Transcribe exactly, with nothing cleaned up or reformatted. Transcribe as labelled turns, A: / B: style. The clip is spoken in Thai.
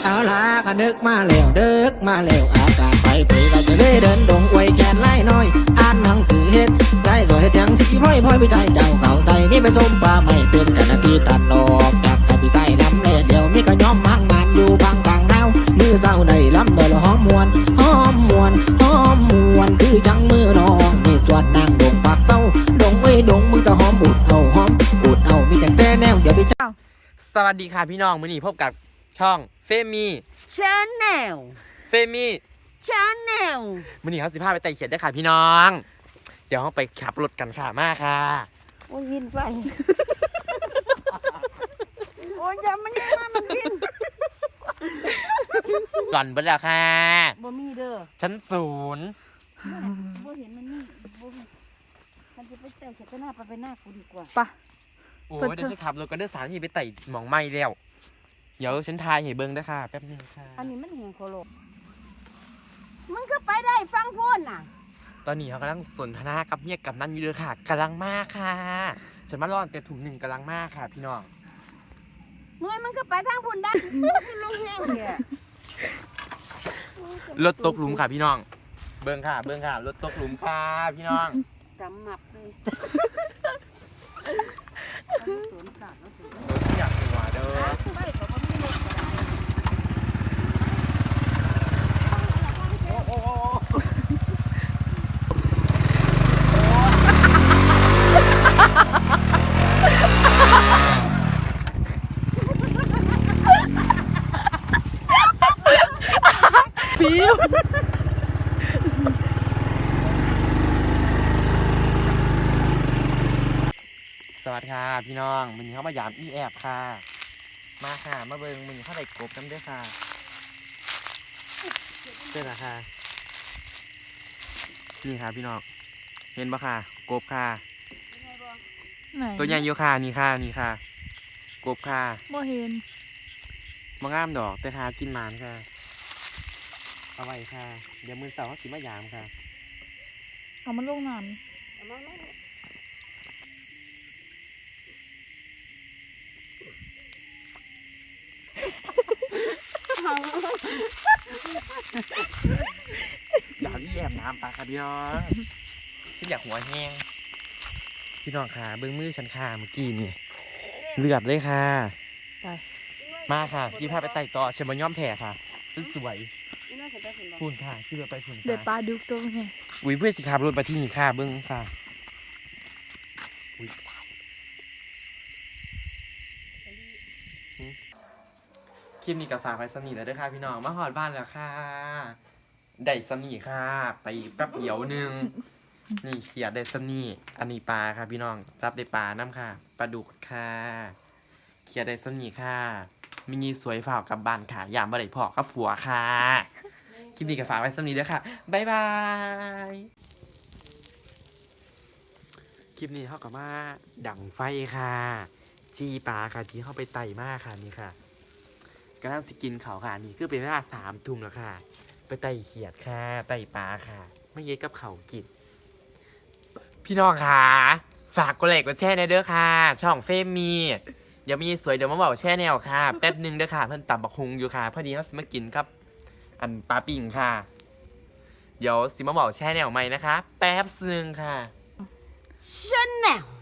A: เอาล่ะก็นึกมาแล้วเดึกมาแล้วอากาศไปเผยก็จะได้เดินดงอวยแขนไล่น้อยอ่านหนังสือเฮ็ดได้สวยเฮ็ดยังสีพ่อยพ่อยวิจัยเจ้าเก่าใส่นี่ไปส้มปลาไม่เป็นกันนาทีตัดดอกจากจะพิใส่ลำเล่เดียวมีก็ย้อมมั่งมันอยู่บางกลางดาวมือเศร้าได้ลำโดยหอมมวนหอมมวนหอมมวนคือจังมือน้องนี่จวดนางดงปากเศร้าดงเอ้ยดงมึงจะหอมอุดเอาหอมอุดเอามีแต่แต่แนวเดี๋ยวไปเจ้า
B: สวัสดีค่ะพี่น้องมื้อนี้พบกับช่องเฟมี่
C: ชาแนล
B: เฟมี่
C: ชาแนล
B: มื้อนี้เขาสิพาไปไต่เขียดได้ค่ะพี่น้อง เดี๋ยวเราไปขับรถกันค่ะมาค่ะ
C: โอ้ยวินไปโอ้ยอย่ามันยังมามันวิน
B: ก่อนเบิดแล้วค่ะ
C: บ่มีเด้อ
B: ชั้นศูนย์
C: บ่เห็นมันนี่บ่มันจะไปไต่เขียดหน้าไปไปหน้ากูดีกว่า
B: ปะโอ้ยเดี๋ยวฉันขับรถกันเด้อสามที่ไปไต่หมองไม้แล้วเดี๋ยวฉันทายให้เบิ่งด้วยค่ะแป๊บนึงค่ะ
C: อันนี้มันแหงโคโลมึงก็ไปได้ฟังพูดน่ะ
B: ตอนนี้เขากำลังสนทนากับเมียกับนั่นอยู่เลยค่ะกำลังมากค่ะฉันมาล่อนแต่ถุงหนึ่งกำลังมากค่ะพี่น้อง
C: หน่วยมันก็ไปทางพูนได้คือลงแห้งเนี่ย
B: รถตกหลุมค่ะพี่น้องเบิ่งค่ะเบิ่งค่ะรถตกหลุมค่ะพี่น้อง
C: จำหมับเลยสวนสัตว์แล้วสิ
B: อยากหัวเด้อฟิวสวัสดีค่ะพี่น้องมันเข้ามายามอีแอบค่ะมาค่ะมาเบิ่งมันเข้าได้กบน้ำด้วยค่ะเจ้าละค่ะนี่ค่ะพี่น้องเห็นปะค่ะกบค่ะตัวใหญ่อยู่ค่ะนี่ค่ะนี่ค่ะกบค่ะ
D: บ่เห็น
B: มางามดอกแต่ทากินมันค่ะเอาไว้ค่ะเดี๋ยวมือเสาร์เขาสิมายามค่ะ
D: เอามันลงน้ำ
B: อยากแอบน้ำปลาค่ะพี่น้องฉันอยากหัวแห้งพี่น้องค่ะเบื้องมือฉันค่ะเมื่อกี้นี่เลือดเลยค่ะไปมาค่ะที่พาไปไต่ต่อฉันมาย่อมแผ่ค่ะสวยพูนค่ะที่เราไปพูนค่ะ
D: เดี๋ยวปลาดุกตัวไง
B: อุ้ยเพื่อนสิขับรถมาที่นี่ค่ะเบื้องค่ะคลิปนี้กับฝากไปสมีแล้วด้วยค่ะพี่น้องมาหอดบ้านแล้วค่ะได้สมีค่ะไปแป๊บเดียวนึงนี่เขียดได้สมีอันนี้ปลาค่ะพี่น้องจับได้ปลาน้ำค่ะปลาดุกค่ะเขียดได้สมีค่ะมินีสวยฝ่ากับบ้านค่ะยามบ่ได้พอกับผัวค่ะคลิปนี้กับฝากไว้สมีด้วยค่ะบ๊ายบายคลิปนี้เข้ากับมาดั่งไฟค่ะจีปลาค่ะที่เข้าไปไต่มากค่ะนี่ค่ะกำลังสกินเขาค่ะนี่คือเป็นเวลาสามทุ่มแล้วค่ะไปไต่เขียดค่ะไต่ปลาค่ะไม่เย็ดกับเขากินพี่น้องค่ะฝากกดไลค์กดแชร์ในเด้อค่ะช่องเฟมมีเดี๋ยวมีสวยเดี๋ยวมาบอกแช่แนวค่ะแป๊บนึงเด้อค่ะเพิ่นตับบักฮุงอยู่ค่ะพอดีเขาสิมากินครับอันปลาปิ่งค่ะเดี๋ยวสิมาบอกแช่แนวใหม่นะคะแป๊บนึงค่ะ
C: ชาแนล